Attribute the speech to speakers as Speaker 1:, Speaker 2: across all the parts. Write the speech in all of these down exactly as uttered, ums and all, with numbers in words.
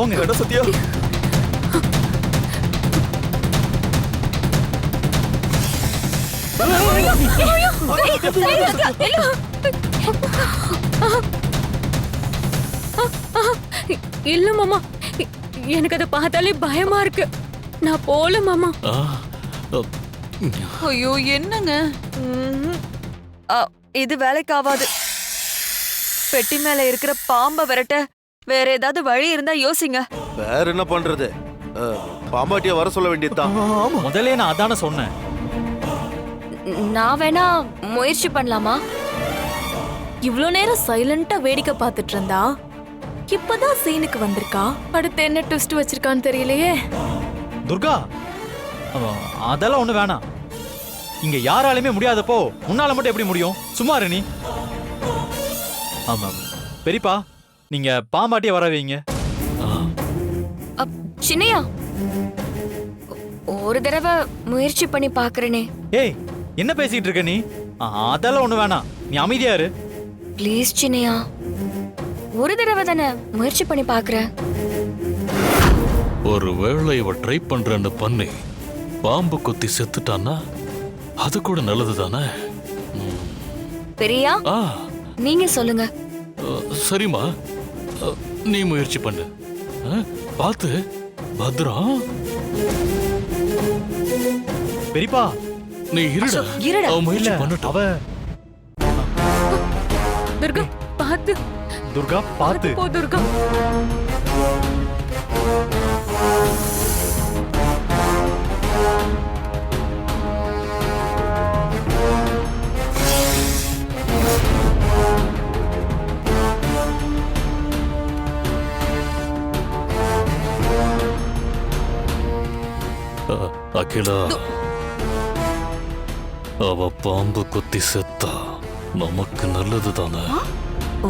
Speaker 1: போங்க.
Speaker 2: என்ன சத்யா?
Speaker 3: இல்ல மாமா, எனக்கு அதை பார்த்தாலே பயமா இருக்கு. நான் போல மாமா.
Speaker 4: ஐயோ என்னங்க இது வேலைக்கு ஆகாது. பெட்டி மேல இருக்கிற பாம்ப விரட்ட வேற ஏதாவது வழி இருந்தா யோசிங்க.
Speaker 5: வேற என்ன பண்றது? பாம்பாட்டிய வர சொல்ல வேண்டியதுதான்.
Speaker 1: முதல்ல நான் அதான சொன்னேன்.
Speaker 6: நான் வேணா முயற்சி பண்ணலாமா?
Speaker 7: இவ்ளோ நேரம் சைலண்டா வேடிக்கை பார்த்துட்டு இருந்தா இப்பதான் சீனுக்கு வந்திருக்கா. அடுத்து என்ன ட்விஸ்ட் வச்சிருக்கான்னு தெரியலையே.
Speaker 1: துர்கா, அதெல்லாம் ஒண்ணு வேணாம். இங்க யாராலுமே முடியாதப்போ உன்னால மட்டும் எப்படி முடியும்? சும்மா இரு நீ. ஆமா பெரியப்பா, நீங்க பாம்பாட்டிய வர வைங்க.
Speaker 6: சின்னையா, ஒரு தடவை முயற்சி பண்ணி பாக்குறேனே.
Speaker 1: ஏய், என்ன பேசிட்டு இருக்க நீ? அதெல்லாம் ஒண்ணு வேணாம், நீ அமைதியா இரு.
Speaker 6: ப்ளீஸ் சின்னையா, ஒரு தடவை தானே முயற்சி பண்ணி பாக்குறேன்.
Speaker 2: ஒரு வேளை இவ ட்ரை பண்றேன்னு பண்ணி பாம்பு கொத்தி செத்துட்டான்னா அது கூட நல்லது தானே.
Speaker 6: பெரியா, நீங்க சொல்லுங்க.
Speaker 2: சரிம்மா, நீ முயற்சி பண்ணு. பார்த்து பத்ரம்.
Speaker 1: பெரியப்பா,
Speaker 2: நீ இருடா.
Speaker 4: இருடா.
Speaker 2: அவ முயற்சி பண்ணட்டும்.
Speaker 1: அவ
Speaker 3: துர்கா பாத்து.
Speaker 1: துர்கா பாத்து.
Speaker 3: போ துர்கா.
Speaker 2: அகிலா, அவ பாம்பு கொத்தி செத்தா நமக்கு நல்லது தானே.
Speaker 6: ஓ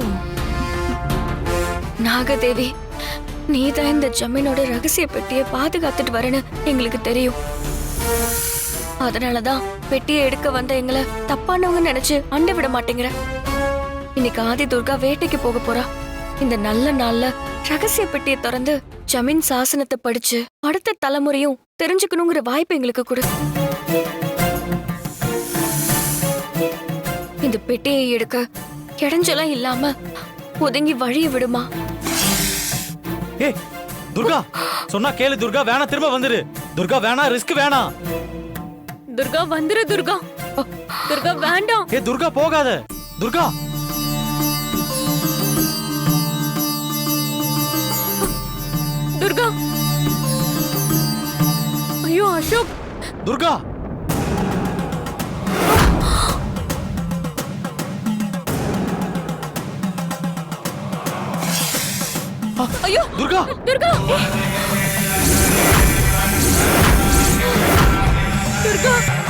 Speaker 6: நாகதேவி, நீதான் இந்த ஜமீனோட ரகசிய பெட்டியை பாதுகாத்துட்டு வரேன்னு எங்களுக்கு தெரியும். அதனாலதான் பெட்டியை எடுக்க வந்த எங்களை தப்பானவங்க நினைச்சு அண்ட விட மாட்டேங்கிற. இன்னைக்கு ஆதி துர்கா வேட்டைக்கு போக போறா. இந்த நல்ல நாள்ல ரகசிய பெட்டியை திறந்து ஜமீன் சாசனத்தை படிச்சு அடுத்த தலைமுறையும் தெரிஞ்சுக்கணுங்கிற வாய்ப்பு எங்களுக்கு கொடு. இந்த பெட்டியை எடுக்க இடைஞ்சலாம் இல்லாம ஒதுங்கி வழிய விடுமா?
Speaker 1: ஏய் துர்கா, சொன்னா கேளு துர்கா. வேணா, திரும்ப வந்துரு துர்கா. வேணா, ரிஸ்க் வேணாம்.
Speaker 3: துர்கா வந்துரு துர்கா. துர்கா வேண்டாம்.
Speaker 1: ஏ துர்கா, போகாத துர்கா.
Speaker 3: துர்கா. ஐயோ அசோக்.
Speaker 1: துர்கா.
Speaker 3: ஐயோ
Speaker 1: துர்கா.
Speaker 3: துர்கா. துர்கா.